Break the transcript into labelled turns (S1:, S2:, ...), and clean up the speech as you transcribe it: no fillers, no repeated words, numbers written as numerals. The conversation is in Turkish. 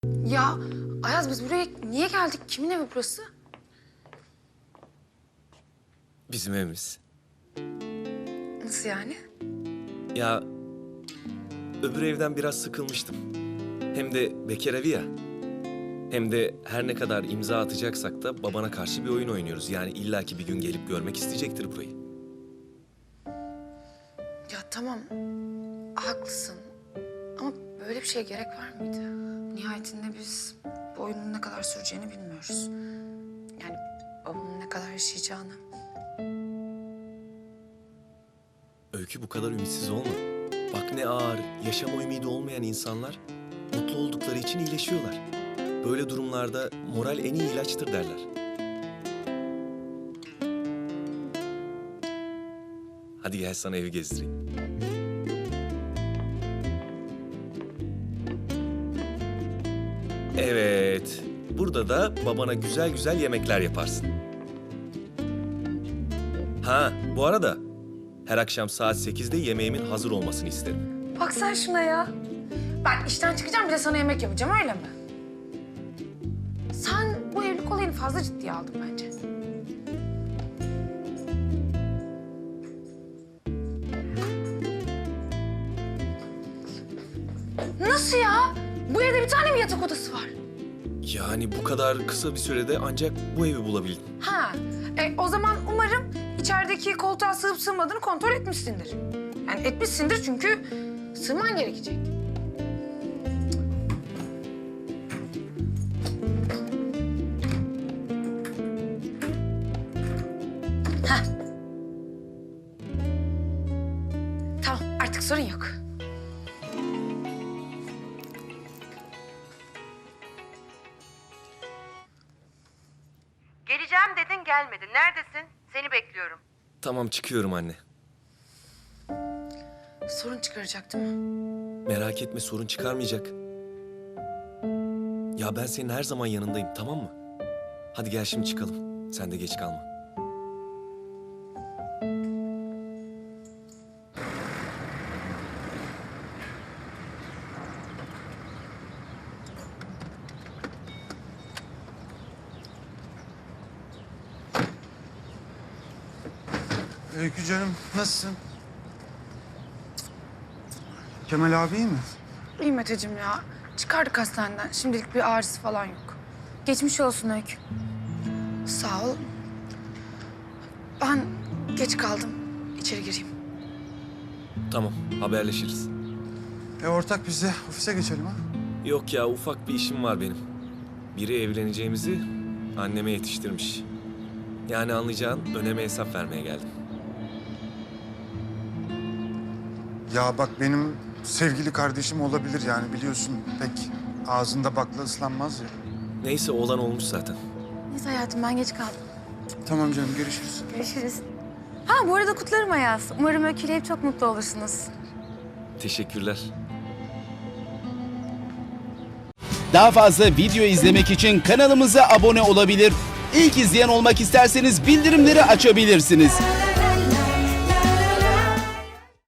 S1: Ya Ayaz, biz buraya niye geldik? Kimin evi burası?
S2: Bizim evimiz.
S1: Nasıl yani?
S2: Ya öbür evden biraz sıkılmıştım. Hem de bekar evi ya. Hem de her ne kadar imza atacaksak da babana karşı bir oyun oynuyoruz. Yani illaki bir gün gelip görmek isteyecektir burayı.
S1: Ya tamam, haklısın. Ama böyle bir şeye gerek var mıydı? Nihayetinde biz bu oyunun ne kadar süreceğini bilmiyoruz. Yani babamın ne kadar yaşayacağını.
S2: Öykü, bu kadar ümitsiz olma. Bak ne ağır, yaşama ümidi olmayan insanlar mutlu oldukları için iyileşiyorlar. Böyle durumlarda moral en iyi ilaçtır derler. Hadi gel sana evi gezdireyim. Evet, burada da babana güzel güzel yemekler yaparsın. Ha, bu arada her akşam saat 8'de yemeğimin hazır olmasını isterim.
S1: Bak sen şuna ya. Ben işten çıkacağım, bir de sana yemek yapacağım, öyle mi? Sen bu evlilik olayını fazla ciddiye aldın bence. Nasıl ya? Bu evde bir tane mi yatak odası var?
S2: Yani bu kadar kısa bir sürede ancak bu evi bulabildim.
S1: Ha, o zaman umarım içerideki koltuğa sığıp sığmadığını kontrol etmişsindir. Yani etmişsindir çünkü sığman gerekecek. Hah. Tamam, artık sorun yok.
S3: Geleceğim dedin gelmedin. Neredesin? Seni bekliyorum.
S2: Tamam, çıkıyorum anne.
S1: Sorun çıkaracak değil mi?
S2: Merak etme, sorun çıkarmayacak. Ya ben senin her zaman yanındayım, tamam mı? Hadi gel şimdi çıkalım. Sen de geç kalma.
S4: Öykü canım, nasılsın? Kemal abi iyi mi?
S1: İyi Meteciğim ya. Çıkardık hastaneden. Şimdilik bir ağrısı falan yok. Geçmiş olsun Öykü. Sağ ol. Ben geç kaldım. İçeri gireyim.
S2: Tamam, haberleşiriz.
S4: Ortak biz de ofise geçelim ha.
S2: Yok ya, ufak bir işim var benim. Biri evleneceğimizi anneme yetiştirmiş. Yani anlayacağın, öneme hesap vermeye geldim.
S4: Ya bak benim sevgili kardeşim olabilir yani biliyorsun pek ağzında bakla ıslanmaz ya.
S2: Neyse, olan olmuş zaten.
S1: Neyse hayatım, ben geç kaldım.
S4: Tamam canım görüşürüz.
S1: Görüşürüz. Ha, bu arada kutlarım Ayaz. Umarım Öykü'yle hep çok mutlu olursunuz.
S2: Teşekkürler.
S5: Daha fazla video izlemek için kanalımıza abone olabilir. İlk izleyen olmak isterseniz bildirimleri açabilirsiniz.